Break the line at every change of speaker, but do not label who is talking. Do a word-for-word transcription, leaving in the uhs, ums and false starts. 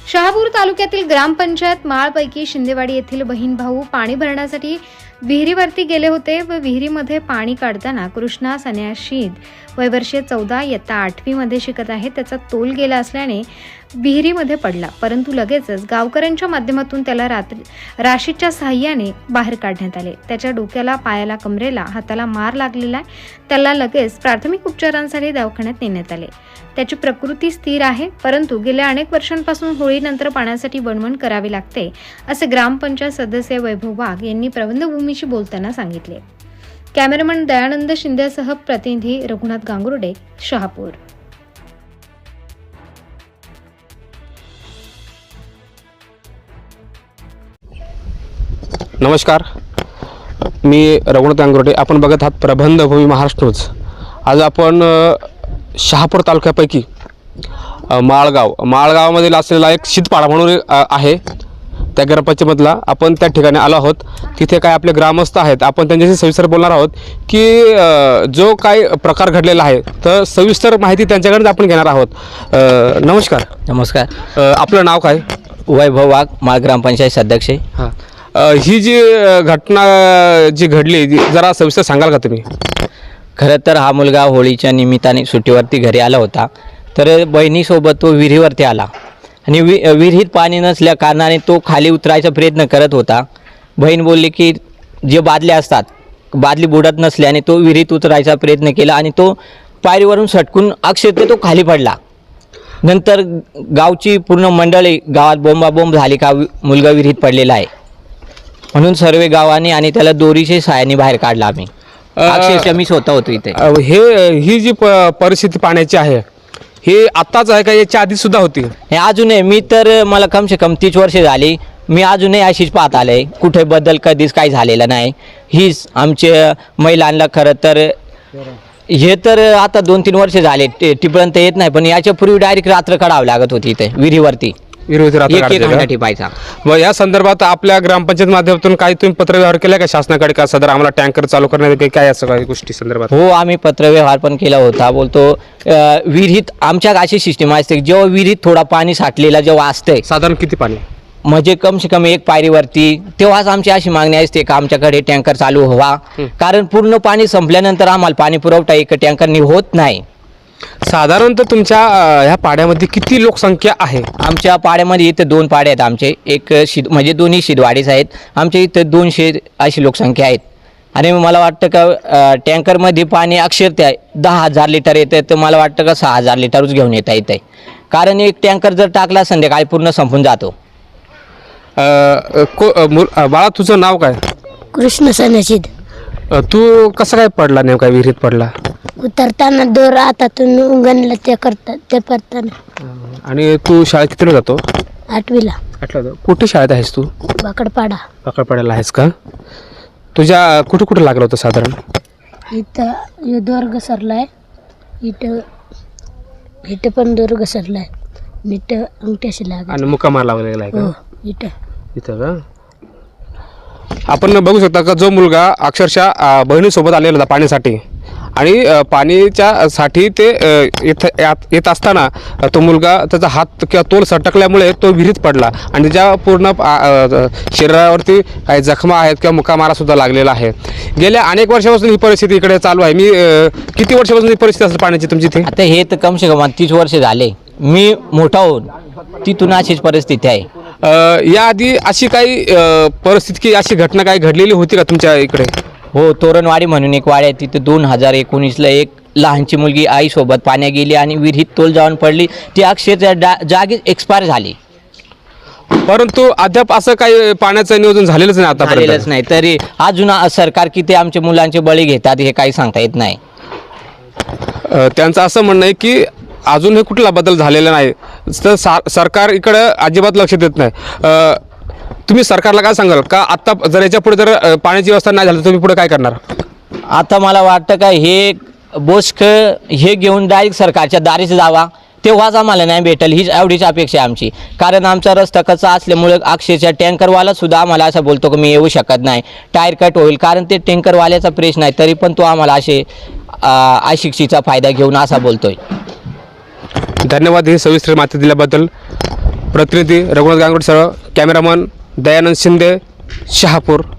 शहापूर तालुक्यातील ग्रामपंचायत माळपैकी शिंदेवाडी येथील बहीण भाऊ पाणी भरण्यासाठी विहिरीवरती गेले होते व विहिरीमध्ये पाणी काढताना कृष्णा सन्याशीद वय वर्षे चौदा इयत्ता आठवी मध्ये शिकत आहे. त्याचा तोल गेला असल्याने विहिरीमध्ये पडला, परंतु लगेचच गावकऱ्यांच्या माध्यमातून त्याला रात्री राशीच्या सहाय्याने बाहेर काढण्यात आले. त्याच्या डोक्याला, पायाला, कमरेला, हाताला मार लागलेला आहे. त्याला लगेच प्राथमिक उपचारांसाठी दवाखान्यात नेण्यात आले. त्याची प्रकृती स्थिर आहे, परंतु गेल्या अनेक वर्षांपासून होळीनंतर पाण्यासाठी वणवण करावी लागते, असे ग्रामपंचायत सदस्य वैभव वाघ यांनी प्रबंधभूमीशी बोलताना सांगितले. कॅमेरामन दयानंद शिंदेसह प्रतिनिधी रघुनाथ गांगुर्डे, शहापूर.
नमस्कार, मी रघुनाथ गांगुर्डे. आपण बघत आहात प्रबंधभूमी महाराष्ट्र न्यूज. आज आपण शहापूर तालुक्यापैकी माळगाव माळगावामधील असलेला एक शीतपाडा म्हणून आहे, त्या ग्रामपंचायतमधला आपण त्या ठिकाणी आलो आहोत. तिथे काय आपले ग्रामस्थ आहेत, आपण त्यांच्याशी सविस्तर बोलणार आहोत की जो काय प्रकार घडलेला आहे, तर सविस्तर माहिती त्यांच्याकडून आपण घेणार आहोत. नमस्कार.
नमस्कार.
आपलं नाव काय?
वैभव वाघ, माळ ग्रामपंचायत सदस्य.
हां, ही जी घटना जी घडली जरा सविस्तर सांगाल का तुम्ही?
खरं तर हा मुलगा होळीच्या निमित्ताने सुट्टीवरती घरी आला होता, तर बहिणीसोबत तो विहिरीवरती आला आणि वि विहिरीत पाणी नसल्या कारणाने तो खाली उतरायचा प्रयत्न करत होता. बहीण बोलली की जे बादल्या असतात, बादली बुडत नसल्याने तो विहिरीत उतरायचा प्रयत्न केला आणि तो पायरीवरून सटकून अक्षरशः तो खाली पडला. नंतर गावची पूर्ण मंडळी गावात बोंबाबोंब झाली का मुलगा विहिरीत पडलेला आहे, म्हणून सर्व गावाने आणि त्याला दोरीच्या सहाय्याने बाहेर काढला. आम्ही अक्षरशः मी स्वतः होतो इथे.
हे ही जी परिस्थिती पाण्याची आहे, हे आत्ताच आहे का याच्या आधी सुद्धा होती?
हे अजूनही, मी तर मला कमसे कम तीस वर्षे झाली, मी अजूनही अशीच पाहत आले. कुठे बदल कधीच काही झालेलं नाही. हीच आमच्या महिलांना खरं तर हे तर आता दोन तीन वर्ष झाले टिपर्यंत येत नाही, पण याच्यापूर्वी डायरेक्ट रात्र काढावं लागत होती इथे विहिरीवरती. टिपायचा.
व या संदर्भात आपल्या ग्रामपंचायत माध्यमातून काही तुम्ही पत्रव्यवहार केला का शासनाकडे, का सदर आम्हाला टँकर चालू करण्यात काय असं काही गोष्टी संदर्भात?
हो, आम्ही पत्रव्यवहार पण केला होता. बोलतो विहिरीत आमच्या अशी सिस्टीम असते, जेव्हा विहिरीत थोडा पाणी साठलेला जेव्हा असतंय,
साधारण किती पाणी
म्हणजे कम से कम एक पायरीवरती, तेव्हाच आमची अशी मागणी असते का आमच्याकडे टँकर चालू व्हावा, कारण पूर्ण पाणी संपल्यानंतर आम्हाला पाणी पुरवठा एक टँकरनी होत नाही.
साधारणतः तुमच्या ह्या पाड्यामध्ये किती लोकसंख्या आहे?
आमच्या पाड्यामध्ये इथे दोन पाडे आहेत आमचे, एक शिद म्हणजे दोन्ही शिदवाडीच आहेत. आमच्या इथे दोनशे अशी लोकसंख्या आहेत आणि मला वाटतं का टँकरमध्ये पाणी अक्षरशः दहा हजार लिटर येतं, तर मला वाटतं का सहा हजार लिटरच घेऊन येता येतं, कारण एक टँकर जर टाकला संध्याकाळी पूर्ण संपून जातो.
बाळा, तुझं नाव काय?
कृष्ण सन्याशीद.
तू कसं काय पडला, नेमका विहिरीत पडला?
उतरताना दोर हातातून उंगणला ते करतात ते करताना.
आणि तू शाळेत कितीला जातो?
आठवीला.
आठला. कुठे शाळेत आहेस तू?
बाकडपाडा.
बाकडपाड्याला आहेस का? तुझ्या कुठं कुठं लागलं होतं साधारण?
इथं हे दोर घसरलाय, इथं इथं पण दोर घसरलाय, इथं अंगठ्याशी लागला
आणि मुक्कामार लावलेला आहे का?
हो, इथं
इथं का? आपण बघू शकता का जो मुलगा अक्षरशः बहिणीसोबत आलेला होता पाण्यासाठी, आणि पाणीच्या साठी ते येत येत असताना तो मुलगा त्याचा हात किंवा तोल सटकल्यामुळे तो विहिरीत पडला आणि त्याच्या पूर्ण शरीरावरती काही जखमा आहेत किंवा मुक्कामारासुद्धा लागलेला आहे. गेल्या अनेक वर्षापासून ही परिस्थिती इकडे चालू आहे. मी किती वर्षापासून ही परिस्थिती असेल पाण्याची तुमची इथे?
आता हे तर कम से कम तीस वर्ष झाले, मी मोठा होऊन तिथून अशीच परिस्थिती आहे.
याआधी अशी काही परिस्थिती की अशी घटना काही घडलेली होती का तुमच्या इकडे?
हो, तोरणवाडी म्हणून एक वाडी आहे, तिथे दोन हजार एकोणीसला एक लहानची मुलगी आईसोबत पाण्यात गेली आणि विहिरीत तोल जाऊन पडली. ती अक्षरशः जागीच एक्सपायर झाली,
परंतु अद्याप असं काही पाण्याचं नियोजन झालेलंच नाही. आता
झालेलंच नाही. तरी अजून सरकार किती आमच्या मुलांचे बळी घेतात हे काही सांगता येत नाही.
त्यांचं असं म्हणणं आहे की अजून हे कुठला बदल झालेला नाही, तर सरकार इकडं अजिबात लक्ष देत नाही. तुम्ही सरकारला काय सांगाल का आत्ता जर याच्या पुढे जर पाण्याची व्यवस्था नाही झाली, तुम्ही पुढे काय करणार?
आता मला वाटतं का हे बोस्क हे घेऊन डायरेक्ट सरकारच्या दारीच जावा, तेव्हाच आम्हाला नाही भेटेल, हीच एवढीच अपेक्षा आहे आमची. कारण आमचा रस्ता कच्चा असल्यामुळे अक्षरशः टँकरवाला सुद्धा आम्हाला असं बोलतो की मी येऊ शकत नाही, टायर कट होईल, कारण ते टँकरवाल्याचा प्रश्न आहे, तरी पण तो आम्हाला असे अशिक्षेचा फायदा घेऊन असा बोलतोय.
धन्यवाद ही सविस्तर माहिती दिल्याबद्दल. प्रतिनिधी रघुनाथ गांगुर्डे सह कॅमेरामन दयानंद शिंदे, शहापूर.